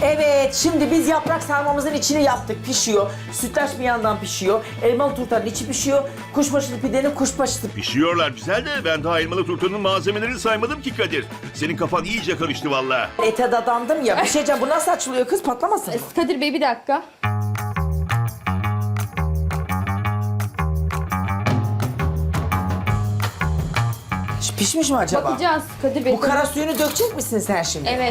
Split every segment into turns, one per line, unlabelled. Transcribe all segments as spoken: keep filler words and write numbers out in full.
Evet, şimdi biz yaprak sarmamızın içini yaptık, pişiyor. Sütlaç bir yandan pişiyor. Elmalı turtanın içi pişiyor. Kuşbaşılı pidenin kuşbaşısı.
Pişiyorlar güzel de ben daha elmalı turtanın malzemelerini saymadım ki Kadir. Senin kafan iyice karıştı vallahi.
Ete dadandım ya. Bir şey diyeceğim, bu nasıl açılıyor kız, patlamasın?
Kadir Bey bir dakika.
Pişmiş mi acaba?
Bakacağız Kadir Bey.
Bu kara suyunu dökecek misin sen şimdi?
Evet.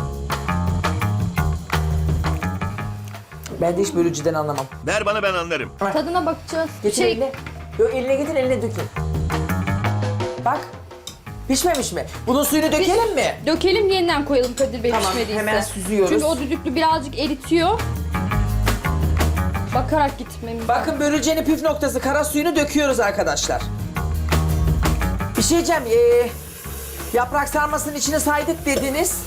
Ben de hiç bölücüden anlamam.
Ver bana ben anlarım.
Tadına bakacağız.
Getir
Şey,
eline. Yok, eline getir, eline dökün. Bak. Pişmemiş mi? Bunun suyunu dökelim mi?
Dökelim, yeniden koyalım Kadir Bey
Tamam,
pişmediyse.
hemen süzüyoruz.
Çünkü o düdüklü birazcık eritiyor. Bakarak gitmemiz.
Bakın börülcenin püf noktası, kara suyunu döküyoruz arkadaşlar. Bir şey diyeceğim, ee, yaprak sarmasının içine saydık dediniz.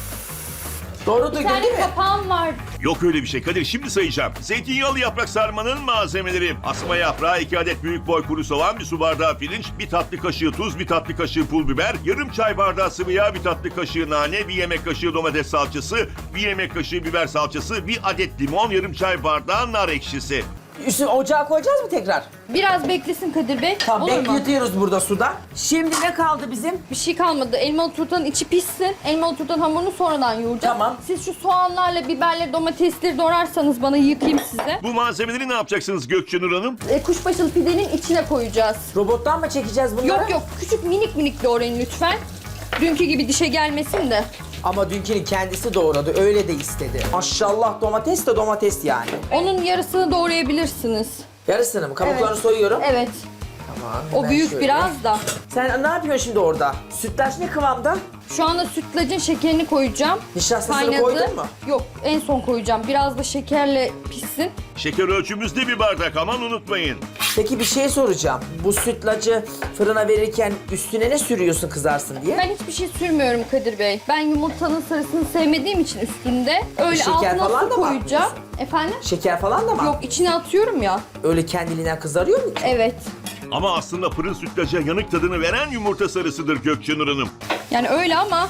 Doğru
Bir
duydum
tane
değil mi?
kapağım var.
Yok öyle bir şey Kadir, şimdi sayacağım. Zeytinyağlı yaprak sarmanın malzemeleri: asma yaprağı, iki adet büyük boy kuru soğan, bir su bardağı pirinç, bir tatlı kaşığı tuz, bir tatlı kaşığı pul biber, yarım çay bardağı sıvı yağ, bir tatlı kaşığı nane, bir yemek kaşığı domates salçası, bir yemek kaşığı biber salçası, bir adet limon, yarım çay bardağı nar ekşisi.
Üstüne ocağa koyacağız mı tekrar?
Biraz beklesin Kadir Bey.
Tamam,
Olur mu?
bekletiyoruz burada suda. Şimdi ne kaldı bizim?
Bir şey kalmadı. Elmalı turtanın içi pişsin. Elmalı turtanın hamurunu sonradan yoğuracağım.
Tamam.
Siz şu soğanlarla, biberle, domatesleri doğrarsanız bana yıkayayım size.
Bu malzemeleri ne yapacaksınız Gökçenur Hanım?
E, kuşbaşılı pidenin içine koyacağız.
Robottan mı çekeceğiz bunları?
Yok yok, küçük minik minik doğrayın lütfen. Dünkü gibi dişe gelmesin de.
Ama dünkünü kendisi doğradı, öyle de istedi. Maşallah, domates de domates yani.
Onun yarısını doğrayabilirsiniz.
Yarısını mı? Kabuklarını
Evet.
soyuyorum.
Evet.
Tamam,
O
hemen
büyük
şöyle.
biraz da.
Sen ne yapıyorsun şimdi orada? Sütlaç ne kıvamda?
Şu anda sütlacın şekerini koyacağım.
Nişastasını koydun mu?
Yok, en son koyacağım. Biraz da şekerle pişsin.
Şeker ölçümüzde bir bardak, aman unutmayın.
Peki bir şey soracağım. Bu sütlacı fırına verirken üstüne ne sürüyorsun kızarsın diye?
Ben hiçbir şey sürmüyorum Kadir Bey. Ben yumurtanın sarısını sevmediğim için üstünde öyle
Şeker
altına
falan
su
da mı
koyacağım.
atmıyorsun?
Efendim?
Şeker falan da mı?
Yok, içine atıyorum ya.
Öyle kendiliğinden kızarıyor mu ki?
Evet.
Ama aslında fırın sütlaca yanık tadını veren yumurta sarısıdır Gökçenur Hanım.
Yani öyle ama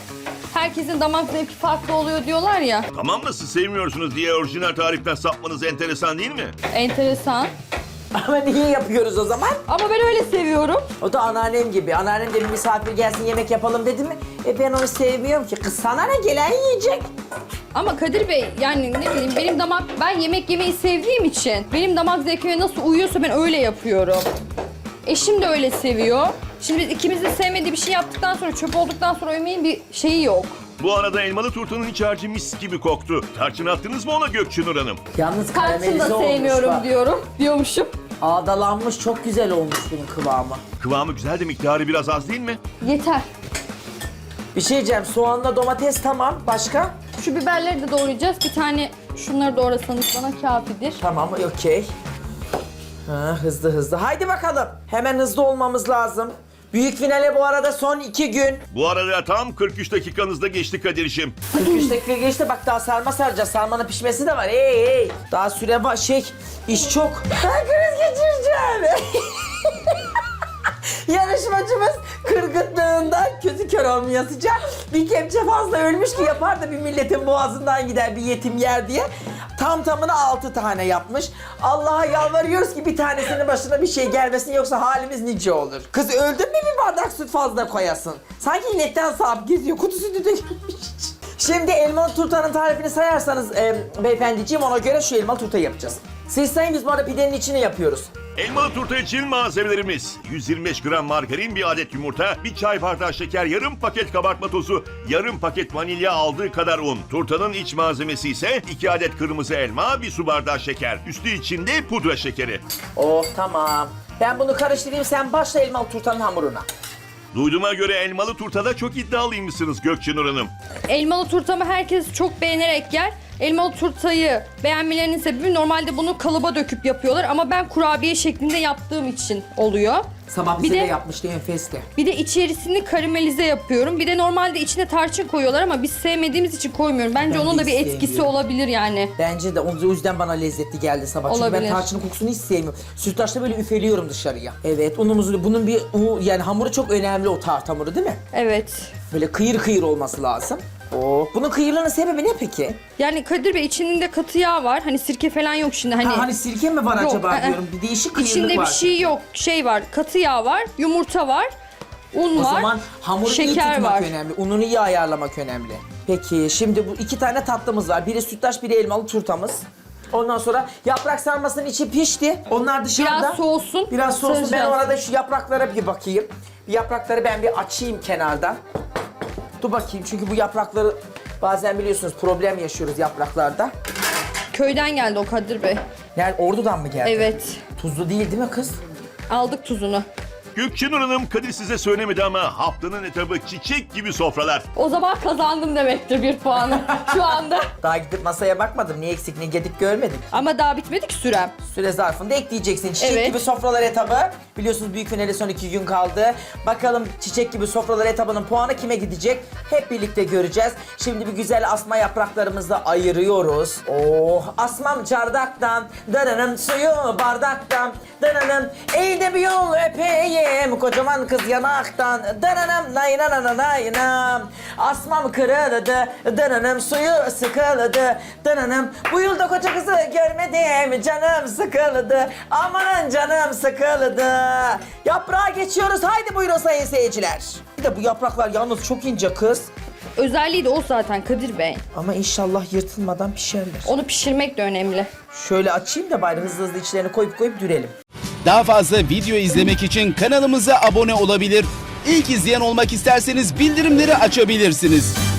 herkesin damak zevki farklı oluyor diyorlar ya.
Tamam da siz sevmiyorsunuz diye orijinal tariften sapmanız enteresan değil mi?
Enteresan.
Ama niye yapıyoruz o zaman?
Ama ben öyle seviyorum.
O da anneannem gibi. Anneannem de bir misafir gelsin yemek yapalım dedi mi? E ben onu sevmiyorum ki. Kız sana ne, gelen yiyecek.
Ama Kadir Bey, yani ne bileyim, benim damak, ben yemek yemeyi sevdiğim için benim damak zevkime nasıl uyuyorsa ben öyle yapıyorum. Eşim de öyle seviyor. Şimdi ikimiz de sevmediği bir şey yaptıktan sonra, çöp olduktan sonra yemeğin bir şeyi yok.
Bu arada elmalı turtanın iç harcı mis gibi koktu. Tarçın attınız mı ona Gökçenur Hanım?
Yalnız
Tarçın
karamelize
da
olmuş
sevmiyorum
bak.
diyorum, diyormuşum.
Ağdalanmış, çok güzel olmuş bunun kıvamı.
Kıvamı güzel de miktarı biraz az değil mi?
Yeter.
Bir şey diyeceğim, soğanla domates tamam. Başka?
Şu biberleri de doğrayacağız. Bir tane şunları doğrasanız bana kafidir.
Tamam, okey. Ha, hızlı hızlı. Haydi bakalım. Hemen hızlı olmamız lazım. Büyük finale bu arada son iki gün.
Bu arada tam kırk üç dakikanızda geçti Kadir'işim.
kırk üç dakika geçti, bak daha sarma saracağız. Sarmanın pişmesi de var. Hey hey. Daha süre var, şey, iş çok. Ben kriz geçireceğim. Yarışmacımız kırgıtlığından közü kör olmayasıca bir kepçe fazla ölmüş ki yapar da bir milletin boğazından gider, bir yetim yer diye. Tam tamına altı tane yapmış. Allah'a yalvarıyoruz ki bir tanesinin başına bir şey gelmesin, yoksa halimiz nice olur. Kız öldün mü bir bardak süt fazla koyasın. Sanki inetten sağıp geziyor, kutusu da dökülmüş. Şimdi elmalı turtanın tarifini sayarsanız e, beyefendiciğim, ona göre şu elmalı turtayı yapacağız. Siz sayın, biz bu arada pidenin içini yapıyoruz.
Elmalı turta için malzemelerimiz: yüz yirmi beş gram margarin, bir adet yumurta, bir çay bardağı şeker, yarım paket kabartma tozu, yarım paket vanilya, aldığı kadar un. Turtanın iç malzemesi ise iki adet kırmızı elma, bir su bardağı şeker. Üstü içinde pudra şekeri.
Oh tamam. Ben bunu karıştırayım, sen başla elmalı turtanın hamuruna.
Duyduğuma göre elmalı turtada çok iddialıymışsınız Gökçenur Hanım.
Elmalı turtamı herkes çok beğenerek yer. Elmalı turtayı beğenmelerinin sebebi, normalde bunu kalıba döküp yapıyorlar ama ben kurabiye şeklinde yaptığım için oluyor.
Sabah
Bir
bize de,
de-
yapmıştı enfesti.
Bir de içerisini karamelize yapıyorum. Bir de normalde içine tarçın koyuyorlar ama biz sevmediğimiz için koymuyorum. Bence
Ben
onun
de
da bir
hiç
etkisi
sevmiyorum.
olabilir yani.
Bence de o yüzden bana lezzetli geldi sabah. Çünkü ben
Olabilir.
tarçının kokusunu hiç sevmiyorum. Sütlaçta böyle üfeliyorum dışarıya. Evet, unumuzu, bunun bir u- yani hamuru çok önemli, o tart hamuru değil mi?
Evet.
Böyle kıyır kıyır olması lazım. Oo. Bunun kıyırlığının sebebi ne peki?
Yani Kadir Bey içinde katı yağ var. Hani sirke falan yok şimdi. Hani,
Ha, hani sirke mi var
Yok,
acaba
ı-ı.
diyorum. Bir değişik kıyırlık
içinde
var.
bir şey yok. Şey var. Katı yağ var. Yumurta var. Un
O
var.
zaman hamuru iyi
şeker
tutmak
var.
önemli. Ununu iyi ayarlamak önemli. Peki şimdi bu iki tane tatlımız var. Biri sütlaç, biri elmalı turtamız. Ondan sonra yaprak sarmasının içi pişti. Onlar dışarıda.
Biraz soğusun.
Biraz soğusun. Ben
saracağız.
orada şu yapraklara bir bakayım. Bir yaprakları ben bir açayım kenardan. Dur bakayım çünkü bu yaprakları bazen biliyorsunuz problem yaşıyoruz yapraklarda.
Köyden geldi o Kadir Bey.
Yani Ordu'dan mı geldi?
Evet.
Tuzlu değil değil mi kız?
Aldık tuzunu.
Gökçenur Hanım, Kadir size söylemedi ama haftanın etabı çiçek gibi sofralar.
O zaman kazandım demektir bir puanı şu anda.
Daha gidip masaya bakmadım. Ne eksik ne gedik görmedik.
Ama daha bitmedi ki sürem.
Süre zarfında ekleyeceksin. Çiçek
Evet.
gibi sofralar etabı. Biliyorsunuz büyük finale son iki gün kaldı. Bakalım çiçek gibi sofralar etabının puanı kime gidecek? Hep birlikte göreceğiz. Şimdi bir güzel asma yapraklarımızı ayırıyoruz. Oh, asmam çardaktan, dananım suyu bardaktan, dananım eğde bir yol öpeyim, kocaman kız yanaktan, dananım naynanananaynam. Asmam kırıldı, dananım suyu sıkıldı, dananım bu yılda koca kızı görmedim, canım sıkıldı, amanın canım sıkıldı. Yaprağa geçiyoruz, haydi buyurun sayın seyirciler. Bir de bu yapraklar yalnız çok ince kız.
Özelliği de o zaten Kadir Bey.
Ama inşallah yırtılmadan pişerler.
Onu pişirmek de önemli.
Şöyle açayım da bari hızlı hızlı içlerini koyup koyup dürelim.
Daha fazla video izlemek için kanalımıza abone olabilir. İlk izleyen olmak isterseniz bildirimleri açabilirsiniz.